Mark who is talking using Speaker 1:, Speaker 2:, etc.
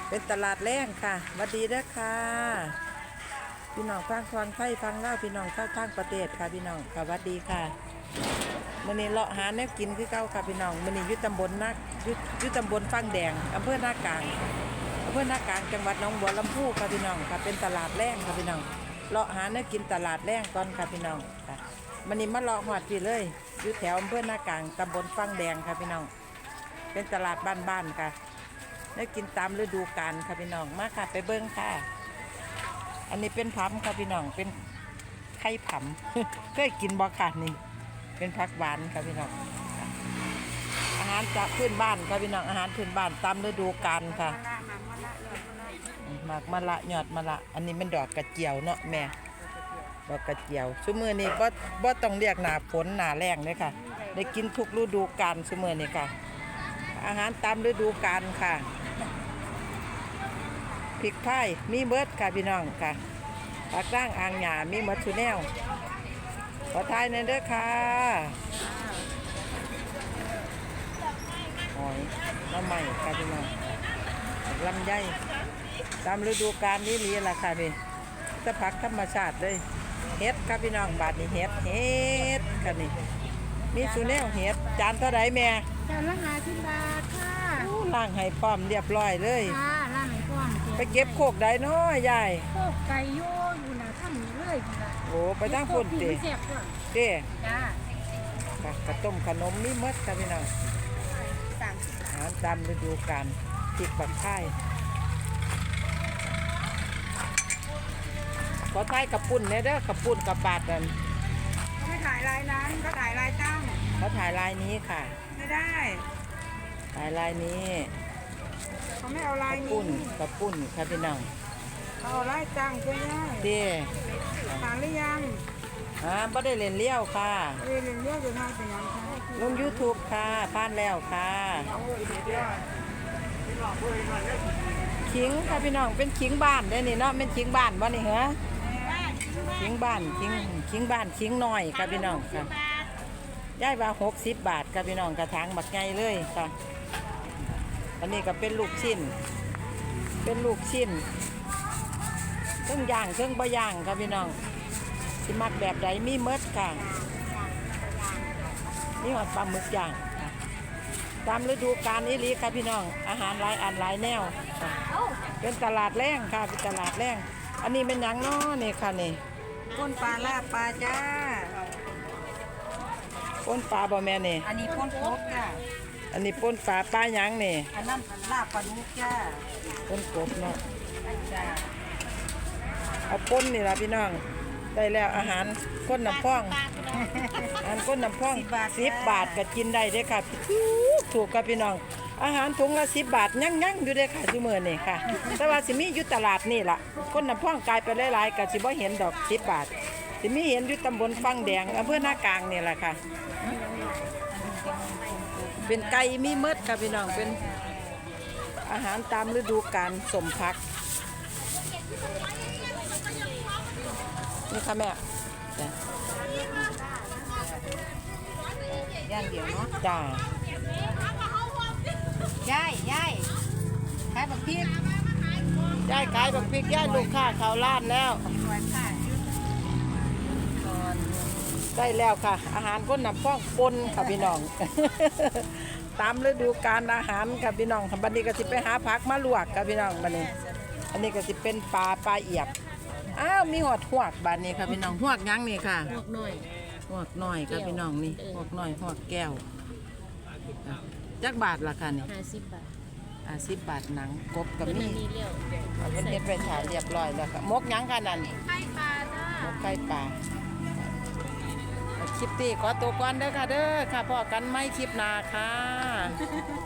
Speaker 1: เป็นตลาดแรงค่ะสวัสดีเด้อค่ะพี่น้องฟังไทยฟังเล่าพี่น้องชาวทางประเทศค่ะพี่น้องสวัสดีค่ะมื้อนี้เลาะหาแนวกินคือเก่าค่ะพี่น้องมื้อนี้อยู่ตำบลนักอยู่ตำบลฟังแดงอำเภอนากลางจังหวัดหนองบัวลำพูค่ะพี่น้องค่ะเป็นตลาดแรงค่ะพี่น้องเลาะหาแนวกินตลาดแรงก่อนค่ะพี่น้องค่ะมื้อนี้มาเลาะหอดพี่เลยอยู่แถวอำเภอนากลางตำบลฟังแดงค่ะพี่น้องเป็นตลาดบ้านๆค่ะได้กินตามฤดูกาลค่ะพี่น้องมาค่ะไปเบิ้งค่ะอันนี้เป็นผำค่ะพี่น้องเป็นไข่ผำ เคยกินบ่ค่ะนี่เป็นผักหวานค่ะพี่น้องอาหารจากพื้นบ้านค่ะพี่น้องอาหารพื้นบ้านตามฤดูกาลค่ะหมากมะละยอดมะละอันนี้เป็นดอกกระเจียวเนาะแม่ดอกกระเจียวชั่วมือนี้บ่ต้องเรียกหน้าฝนหน้าแล้งเลยค่ะได้กินทุกฤดูกาลชั่วมือนี้ค่ะอาหารตามฤดูกาลค่ะพริกไทยมีเบิดค่ะพี่น้องค่ะผักร่างอ่างหญ้ามีหมดทุกแนวขอทายหน่อยเด้อค่ะหอยน้ำใหม่ค่ะพี่น้องลำไยตามฤดูกาลนี้ลีล่ะค่ะนี่จะผักธรรมชาติเลยเฮ็ดค่ะพี่น้องบาทนี่เฮ็ดค่ะนี่มีสุแนวเฮ็ดจานเท่าไรแม่
Speaker 2: จานละ50 บาทค่ะ
Speaker 1: ล้างให้พร้อมเรียบร้อยเลย
Speaker 2: ค่ะล่างให้พร้อม
Speaker 1: ไปเก็บโคกได้น้อยยาย
Speaker 2: โคกไก่โยอยู่นะทำเลยนะ
Speaker 1: โอ้ไปตั้งฝุ่นเด้เด้
Speaker 2: จ้า
Speaker 1: ค่ะกระต้มขนมมีมดค่ะพี่น้องอาหารตามฤดูกาลพริกบักไข่ขอทายกระปุ่นเนี่ยเด้อกระปุ่นกระปาดกัน
Speaker 2: ไม่ถ่ายลายนั้นก็ถ่ายลายตั้ง
Speaker 1: เขาถ่ายลายนี้ค่ะ
Speaker 2: ไม่ได้
Speaker 1: ถ่ายลายนี้
Speaker 2: เขาไม่เอาลายนี้
Speaker 1: กระปุ่นค่ะพี่น้อง
Speaker 2: เขาเอาลายตั้งใช่ไหม
Speaker 1: เด้
Speaker 2: ถ่ายหรือยัง
Speaker 1: บ่ได้เล่นเลี้ยวค่ะ
Speaker 2: เรียนเรียกอยู่ทางเป็นยังคะ
Speaker 1: ลง YouTube ค่ะผ่านแล้วค่ะขิงค่ะพี่น้องเป็นขิงบ้านได้นี่เนาะเป็นขิงบ้านบ่นี่เหรอขิงบ้านขิงบ้านขิงน้อยค่ะพี่น้องค่ะย้ายว่า60 บาทค่ะพี่น้องกระถางบักใหญ่เลยค่ะอันนี้ก็เป็นลูกชิ้นเครื่องย่างเครื่องบะย่างค่ะพี่น้องสิมักแบบใดมีเมดค่ะนี่หอดปลาหมึกย่างตามฤดูกาลนี้ลีค่ะพี่น้องอาหารหลายอันหลายแนวเป็นตลาดแรงค่ะเป็นตลาดแรงอันนี้เป็นหยังน้อนี่ค่ะนี่
Speaker 2: ป้นปลาลาบปลาจ้า
Speaker 1: ป้นปลาบ่แม่นี่
Speaker 2: อันนี้ป้นกบจ้า
Speaker 1: อันนี้ป้นปลาหยังนี่
Speaker 2: อันนั้นลาบปลาดุกจ้า
Speaker 1: ป้นกบเนาะ
Speaker 2: จ้า
Speaker 1: เอาป้นนี่ล่ะพี่น้องได้แล้วอาหารก้นน้ำพองอาหารก้นน้ำพอง10 บาทก็กินได้เด้ค่ะถูกกับพี่น้องอาหารถุงละ10 บาทยั่งอยู่เด้ค่ะชั่วโมงนี่ค่ะแต่ว่าสิมีอยู่ตลาดนี่ล่ะก้นน้ำพองกลายไปหลายๆก็สิบ่เห็นดอก10 บาทสิมีเห็นอยู่ตำบลฟังแดงอำเภอนากลางนี่แหละค่ะเป็นไก่มีเมดค่ะพี่น้องเป็นอาหารตามฤดูกาลสมพักนี่ค่ะแม่
Speaker 2: ย่างเดียวเนาะ
Speaker 1: จ้า
Speaker 2: ย่ายขายบักพริก
Speaker 1: ย่ายขายบักพริกย่ายลูกค้าเขาล้านแล้วได้แล้วค่ะอาหารก้นน้ำพองปนค่ะพี่น้อง ตามฤดูกาลอาหารค่ะพี่น้องบัดนี้ก็สิไปหาผักมาลวกค่ะพี่น้องบัดนี้อันนี้ก็สิเป็นปลาเอียบอ้าวมีหอดหวกบัดนี้ค่ะพี่น้องหวกยังนี่ค่ะ
Speaker 2: หวกหน่
Speaker 1: อยค่ะพี่น้องนี่หวกน้อยหวกแก้วจักบาทละค่ะนี่
Speaker 2: 50 บาท
Speaker 1: 10 บาทหนังกบกับมีเอาเพิ่นเฮ็ดไปถ่ายเรียบร้อยแล้วค่ะมกยังค่ะนั่น
Speaker 2: ไข่ปลาจ้าม
Speaker 1: กไข่ปลาคลิปนี้ขอตัวก่อนเด้อค่ะเด้อค่ะพอกันไม่คลิปหน้าค่ะ